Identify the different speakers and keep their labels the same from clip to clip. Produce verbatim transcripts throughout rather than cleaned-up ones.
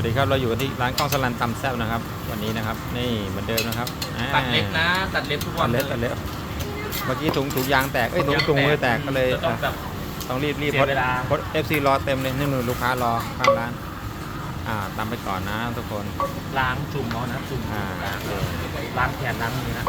Speaker 1: วัสดีครับเราอยู่ที่ร้านกล้องสลันตำแซ่บนะครับวันนี้นะครับนี่เหมือนเดิมนะครับ
Speaker 2: ตัดเล็บนะตัดเล็บทุกวั
Speaker 1: ตั
Speaker 2: น
Speaker 1: ดเล็บตัดเล็บเมื่อกี้ถุงถุงยางแตกเอ้ยถุงถุงมือแตกก็เลย
Speaker 2: ต้องแบบ
Speaker 1: ต้องรีบรีบ
Speaker 2: เสียเวลา
Speaker 1: เพราะเอฟซีรอเต็มเลยนี่หนูลูกค้ารอข้างร้านอ่าตำไปก่อนนะทุกคน
Speaker 2: ล้างจุ่มเอานะจุ่ม
Speaker 1: อ่า
Speaker 2: ล้างล้างแขนล้างมือนะ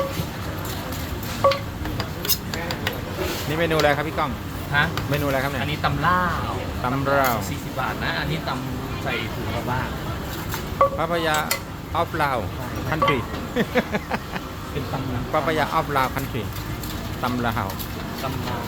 Speaker 1: นี่เมนูอะไรครับพี่ก้อง
Speaker 2: ฮะ
Speaker 1: เมนูอะไรครับเนี่ย
Speaker 2: อันนี้ตำล่าว
Speaker 1: ตำลาว
Speaker 2: สี่สิบบาทนะอันนี้ตำใส่ถุงกระบ้าง
Speaker 1: ปาปายาออฟลาวคันทรี
Speaker 2: เป็นตำ
Speaker 1: ปาปายาออฟลาวคันทรีตำลาว
Speaker 2: ตำลาว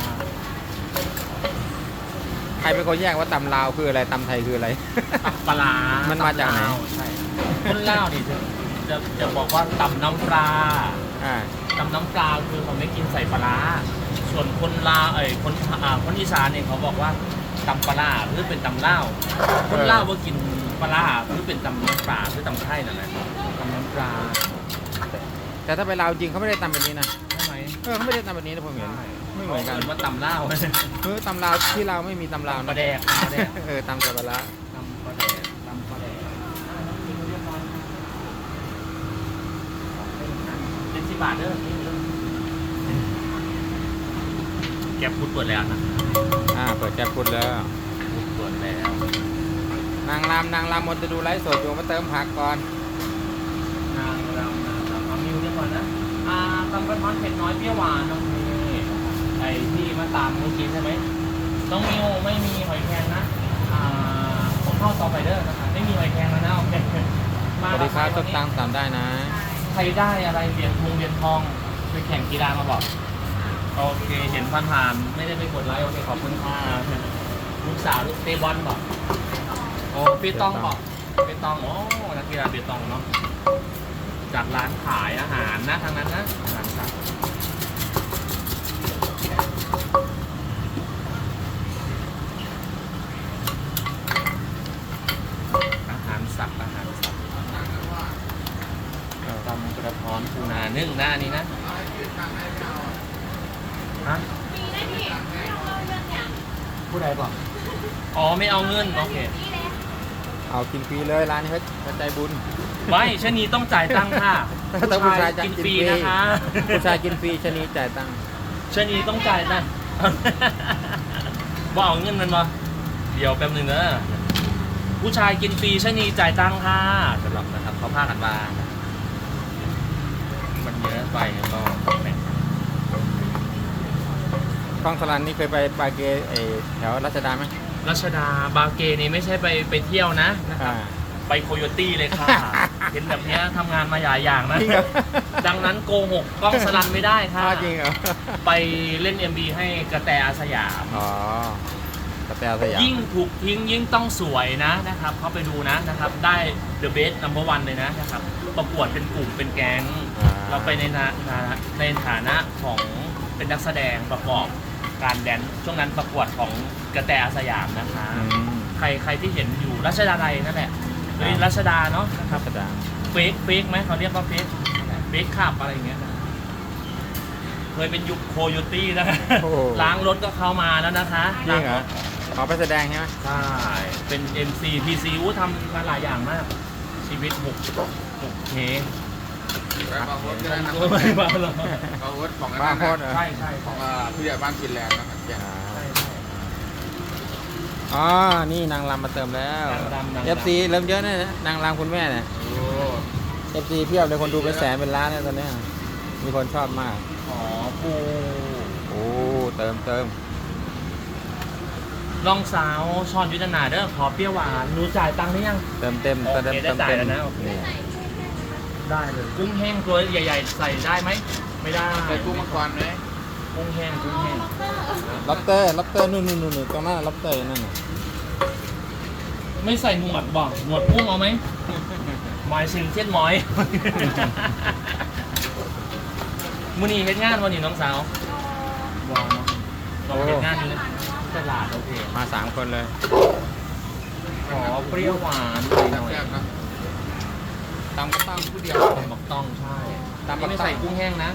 Speaker 1: ใครเป็นคนแยกว่าตำลาวคืออะไรตำไทยคืออะไร
Speaker 2: ตำปลาร้า
Speaker 1: มันมาจากไหน
Speaker 2: ตำลวใช่คนลาวนี่จะจะจะบอกว่าตำน้ำปลา
Speaker 1: อ่า
Speaker 2: ตำน้ำปลาคือเขาไม่กินใส่ปลาร้าส่วนคนลาวเอ้ยคนอ่าคนอีสานเนี่ยเขาบอกว่าตำปลาร้าคือเป็นตำลาวคนลาวว่ากินปลาร้าคือเป็นตำน้ำปลาคือตำไทยนั่นแหละตำน้ำปลา
Speaker 1: แต่ถ้าไปลาวจริงเขาไม่ได้ตำแบบนี้นะ
Speaker 2: ใช่ไหม
Speaker 1: เออเขาไม่ได้ตำแบบนี้นะผมเห็นไม่เหมือนกัน
Speaker 2: ว่าตำลาว
Speaker 1: คือตำลาวที่เราวไม่มีตำลาว
Speaker 2: ตำปลาแดกตำปลาแดก
Speaker 1: เออตำแต่ปลาร้า
Speaker 2: ตำปลาแดกตำปลาแดกเป็นสิบบาทเด้อแก็บพุดเปิดแล้วนะ
Speaker 1: อ่าเปิดแก๊ปพุดแล้ว
Speaker 2: พุดเปิดแล้ว
Speaker 1: นางรำนางรำมนจะดูไลฟ์สดอยู่มาเติมผักก่อน
Speaker 2: นางรำนางรำเอามิวเรียกก่อนนะอ่าตำกระท้อนเผ็ดน้อยเปรี้ยวหวานน้องมิวไอ้ที่มาตามเมื่อกี้ใช่ไหมน้องมิวไม่มีหอยแครงนะอ่าผมเข้าต่อไปเด้อนะคะไม่มีหอยแครงแล้วนะโอเค
Speaker 1: สวัสดีครับต้นตังตามได้นะ
Speaker 2: ใครได้อะไรเหรียญทองเหรียญทองไปแข่งกีฬามาบอกโอเคเห็นผ่านๆไม่ได้ไปกดไลค์โอเคขอบคุณค่ะลูกสาวลูกเตะบอลบอกโอ้เปตองบอกเปตองโอ้นักกีฬาเปตองเนาะจากร้านขายอาหารนะทางนั้นนะอาหารสัตว์อาหารสัตว์อาหารสัตว์ตำกระท้อนปูนานึ่งนะอันนี้นะฮะผู้ใดบอกอ๋อไม่เอาเงินโอเค
Speaker 1: เอากินฟรีเลยร้านนี้เขาเขาใจบุญ
Speaker 2: ไม่ชะนีต้องจ่ายตังค่ะ
Speaker 1: ต้องผู้ชาย
Speaker 2: กิน
Speaker 1: กิน
Speaker 2: ฟ
Speaker 1: ฟรี
Speaker 2: รีนะคะ
Speaker 1: ผู้ชายกินฟรีชะนีจ่ายตังค์
Speaker 2: ชะนีต้องจ่ายตังค์ ว่าเอาเงินมันมาเดี๋ยวแป๊บหนึงนะผู้ชายกินฟรีชะนีจ่ายตังค่ะสำหรับนะครับเขาพากันมามันเยอะไปก็แบ่ง
Speaker 1: กล้องสลันนี่เคยไปปาเกไอแถวรัชดาไหม
Speaker 2: รัชดาบาเกนี่ไม่ใช่ไปไปเที่ยวนะนะครับ
Speaker 1: อ่า
Speaker 2: ไปโคโยตี้เลยค่ะ เห็นแบบเนี้ยทำงานมาหลายอย่างนะ
Speaker 1: จริงเหรอ
Speaker 2: ดังนั้นโกหกกล้องสลันไม่ได้ค่ะ
Speaker 1: อ้าวจริงเหรอ
Speaker 2: ไปเล่น เอ็ม บี ให้กระแตอาสยาม
Speaker 1: อ๋อกระแตสยาม
Speaker 2: ยิ่งถูกทิ้งยิ่งต้องสวยนะนะครับเขาไปดูนะนะครับได้ The Best Number One เลยนะนะครับประกวดเป็นกลุ่มเป็นแก๊ง
Speaker 1: อ่า
Speaker 2: เราไปในฐานะในฐานะของเป็นนักแสดงประกอบการแดนซ์ช่วงนั้นประกวดของกระแตอาสยามนะคะ
Speaker 1: อืม
Speaker 2: ใครใครที่เห็นอยู่รัชดาลัยนั่นแหละเอ้ย
Speaker 1: ครับ
Speaker 2: รัชดาเนาะนะครับ
Speaker 1: รัชดา
Speaker 2: เฟกเฟกไหมเขาเรียกว่าเฟกเฟกขับอะไรอย่างเงี้ยเคยเป็นยุคโคโยตี้นะ
Speaker 1: โอ้โห
Speaker 2: ล้างรถก็เข้ามาแล้วนะคะ
Speaker 1: จริงเหรอขอไปแสดงใช่ไหม
Speaker 2: ใช่ เป็น เอ็ม ซี พี ซี อู้ทำมาหลายอย่างมาก ชีวิตหกหกเค
Speaker 3: บาร์โฮสก็ได้นะ
Speaker 2: ไม่บ้าหรอก
Speaker 3: บาร์โฮสของ
Speaker 1: บ้าโคตรเหรอ
Speaker 2: ใช่ใช่
Speaker 3: ของอ่าผู้ใหญ่บ้านกินแรงนะเกียรติ
Speaker 1: อ่า
Speaker 2: ใช่ใช่
Speaker 1: อ๋อ นี่นางรำมาเติมแล้ว
Speaker 2: นางรำนางรำ
Speaker 1: เอฟซีเริ่มเยอะนะนางรำคุณแม่เนี่ย
Speaker 3: โอ้
Speaker 1: เอฟซีเพียบเลยคนดูเป็นแสนเป็นล้านเนี่ยตอนเนี้ยมีคนชอบมาก
Speaker 2: ขอปู
Speaker 1: โอ้เติมเติม
Speaker 2: ลองสาวชอนยุทธนาเด้อขอเปรี้ยวหวานรู้จ่ายตังค์หรือยัง
Speaker 1: เติมเต็ม
Speaker 2: โอเค
Speaker 1: เติม
Speaker 2: ได้
Speaker 1: เติม
Speaker 2: จ่าย
Speaker 1: เต็ม
Speaker 2: แล้วนะโอเค
Speaker 1: นี่
Speaker 2: ได้เลย กุ้งแห้งตัวใหญ่ ๆ ใส่ได้ไหม ไม่ได้
Speaker 3: ใส่กุ้งมังกรไหม
Speaker 2: กุ้งแห้งกุ้งแห้ง
Speaker 1: ล็อบเตอร์ล็อบเตอร์นู่นนู่นนู่นตรงหน้าล็อบเตอร์นั่นน่ะ
Speaker 2: ไม่ใส่หนวดบอกหนวดกุ้งเอาไหมหมายถึงเช่นหมอย มือนี่เฮ็ดงานวันนี้น้องสาวว้าวเราเฮ็ดงานอยู่ในตลาดโอเค
Speaker 1: มาสามคนเลย
Speaker 2: ขอเปรี้ยวหวานหน่อย
Speaker 3: แซ่บๆนะ
Speaker 1: ตามก็ตั้งผู้เดียว
Speaker 2: บักต้องใช่
Speaker 1: ตามบักต้อง
Speaker 2: ไม่ใส่กุ้งแห้งนะ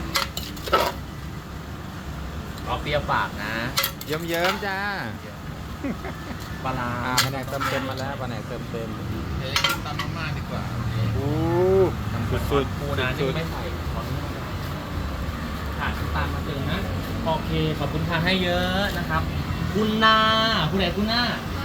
Speaker 2: เอาเปรี้ยวปากนะ
Speaker 1: เยิ้มเยิ้มๆจ้า
Speaker 2: ปลาร้า
Speaker 1: อ่าแผนกเติมเต็มมาแล้วแผนกเติมเต็ม
Speaker 3: เดี๋ยวกินตำมาม่าดีกว่า
Speaker 1: อู้
Speaker 2: มันสุดสุดปูนานี่ไม่ใส่ขออนุญาตขาดน้ำตาลมาเติมนะโอเคขอบคุณค่ะให้เยอะนะครับ คุณนาคุณไหนคุณนา
Speaker 4: ข